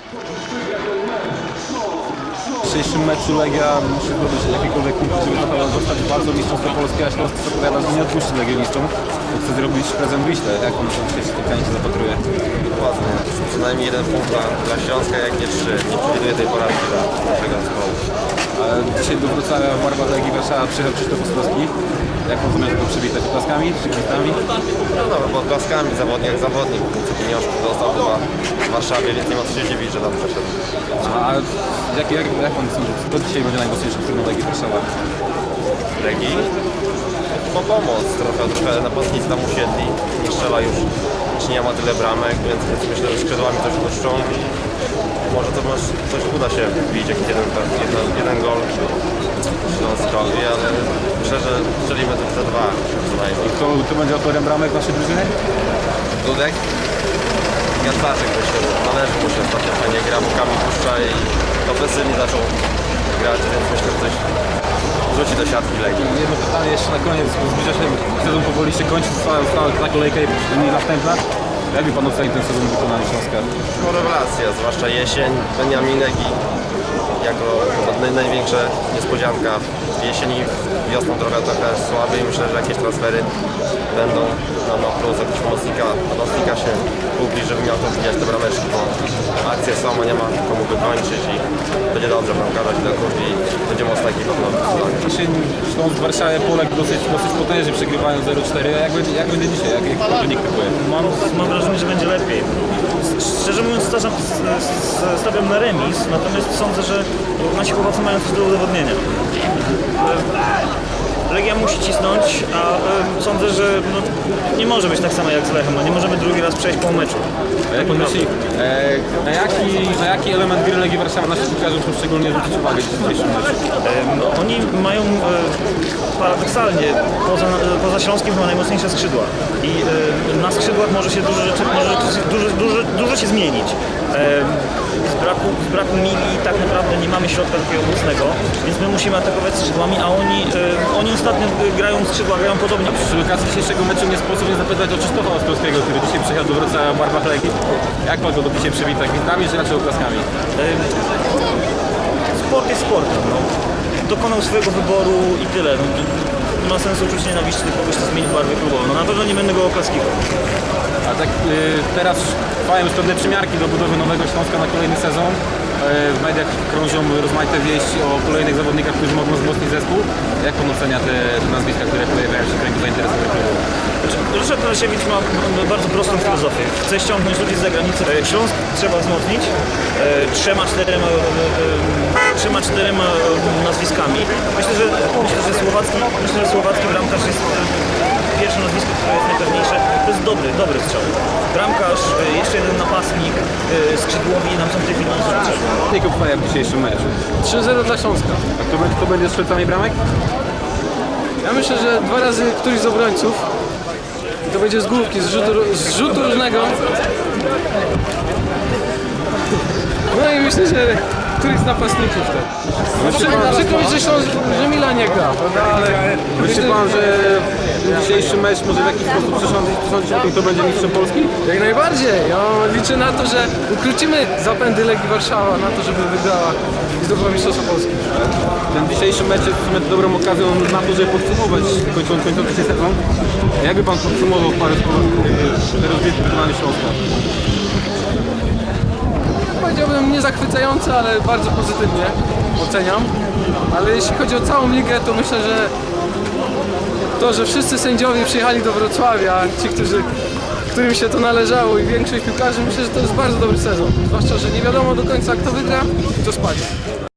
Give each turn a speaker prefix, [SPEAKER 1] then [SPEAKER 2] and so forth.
[SPEAKER 1] W dzisiejszym meczu Legia musi zdobyć jakikolwiek punkt, żeby trochę zostać walcą mistrzostwa Polski, a Śląsk zapowiada, że nie odpuści legionistom. Chce zrobić prezent Wiśle. Jak on w tej spotkaniu się zapatruje?
[SPEAKER 2] Dokładnie. Przynajmniej jeden punkt dla Śląska, jak nie 3. Nie przewiduję tej porażki dla naszego zespołu.
[SPEAKER 1] A dzisiaj do Wrocławia w barwach Legii Warszawa przyjechał Krzysztof Ostrowski. Jak on zamiast go przywitać? Oklaskami czy kwitami?
[SPEAKER 2] No, pod klaskami, zawodnik jak zawodnik. Pieniążki dostał chyba w Warszawie, więc nie ma co się dziwić, że tam przeszedł.
[SPEAKER 1] A jak pan sądzi, kto dzisiaj będzie najmocniejszy w tym Legii Warszawa?
[SPEAKER 2] Legii? Po pomoc. Trochę napastnicy tam usiedli. Nie strzela już, nie ma tyle bramek, więc myślę, że skrzydłami coś puszczą. Może to coś uda się wbić, jakiś jeden gol Śląskowi, ale myślę, że strzelimy te 2 przynajmniej.
[SPEAKER 1] Kto będzie autorem bramek naszej drużyny?
[SPEAKER 2] Dudek? Gantaszek myślę, że należy mu się ostatnio fajnie gra, bokami puszcza i ofensywnie zaczął grać, więc myślę, że coś rzuci do siatki Legii.
[SPEAKER 1] Jedno pytanie jeszcze na koniec, bo zbliża się sezon powoli się kończy, została ta kolejka i następna. Jakby pan ocenił ten sezon wykonany Śląska?
[SPEAKER 2] No rewelacja, zwłaszcza jesień, Beniaminek i jako największa niespodzianka w jesieni, wiosną trochę słabiej. Myślę, że jakieś transfery będą na plus, jakiś pomocnika się kupi, żeby miał to wbijać te brameczki, bo akcje są, a nie ma komu wykończyć i będzie dobrze bramkarza się dokupi i będzie mocna ekipa w nowym sezonie.
[SPEAKER 1] Dzisiaj Śląsk w Warszawie poległ dosyć potężnie, przegrywają 0-4. Jak będzie dzisiaj? Jak wynik typuje?
[SPEAKER 3] Mam wrażenie, że będzie lepiej. Szczerze mówiąc, stawiam na remis, natomiast sądzę, że nasi chłopacy mają coś do udowodnienia. Legia musi cisnąć, a sądzę, że nie może być tak samo jak z Lechem. Nie możemy drugi raz przejść po meczu.
[SPEAKER 1] A jak pan myśli, na jaki element gry Legii Warszawa nasi piłkarze muszą szczególnie zwrócić uwagę w dzisiejszym meczu?
[SPEAKER 3] Oni mają paradoksalnie poza Śląskiem chyba najmocniejsze skrzydła i na skrzydłach może się dużo się zmienić. Z braku Mili tak naprawdę nie mamy środka takiego mocnego, więc my musimy atakować skrzydłami, a oni ostatnio grają skrzydła, grają podobnie.
[SPEAKER 1] Przy okazji dzisiejszego meczu nie sposób nie zapytać o Krzysztofa Ostrowskiego, który dzisiaj przyjechał do Wrocławia w barwach Legii. Jak pan go dzisiaj przywita? Gwizdami czy raczej oklaskami?
[SPEAKER 3] Sport jest sportem. No. Dokonał swojego wyboru i tyle. No, nie ma sensu czuć nienawiści do kogoś, kto zmieni barwę klubową. No na pewno nie będę go oklaskiwał.
[SPEAKER 1] A tak teraz trwają już pewne przymiarki do budowy nowego Śląska na kolejny sezon. W mediach krążą rozmaite wieści o kolejnych zawodnikach, którzy mogą wzmocnić zespół. Jak pan ocenia te nazwiska, które pojawiają się w kręgu zainteresowanych klubów?
[SPEAKER 3] Ryszard Narasiewicz ma bardzo prostą filozofię. Chce ściągnąć ludzi z zagranicy. Śląsk trzeba wzmocnić 3-4 nazwiskami. Myślę, że słowacki bramkarz jest pierwsze nazwisko, które jest najpewniejsze. To jest dobry strzał. Bramkarz, jeszcze jeden napastnik, skrzydłowi nam są w tej chwili potrzebni.
[SPEAKER 1] Jakie obstawiam w dzisiejszym meczu?
[SPEAKER 4] 3-0 dla Śląska.
[SPEAKER 1] A kto będzie strzelcami bramek?
[SPEAKER 4] Ja myślę, że 2 razy któryś z obrońców. I to będzie z główki, z rzutu różnego. No i myślę, że któryś z napastników też. Przykro mi, że Mila nie gra, prawda? Ale
[SPEAKER 1] Myśli pan, że dzisiejszy mecz może w jakiś sposób przesądzić o tym, kto będzie mistrzem Polski?
[SPEAKER 4] jak najbardziej. Ja liczę na to, że ukrócimy zapędy Legii Warszawa, na to, żeby wygrała i zdobyła mistrzostwo Polski.
[SPEAKER 1] Ten dzisiejszy mecz jest w sumie dobrą okazją na to, żeby podsumować kończący się sezon. Jakby pan podsumował parę rozgrywek wykonania Śląska?
[SPEAKER 4] Powiedziałbym nie zachwycające, ale bardzo pozytywnie oceniam. Ale jeśli chodzi o całą ligę, to myślę, że to, że wszyscy sędziowie przyjechali do Wrocławia, ci, którym się to należało i większość piłkarzy, myślę, że to jest bardzo dobry sezon. Zwłaszcza, że nie wiadomo do końca kto wygra i kto spadnie.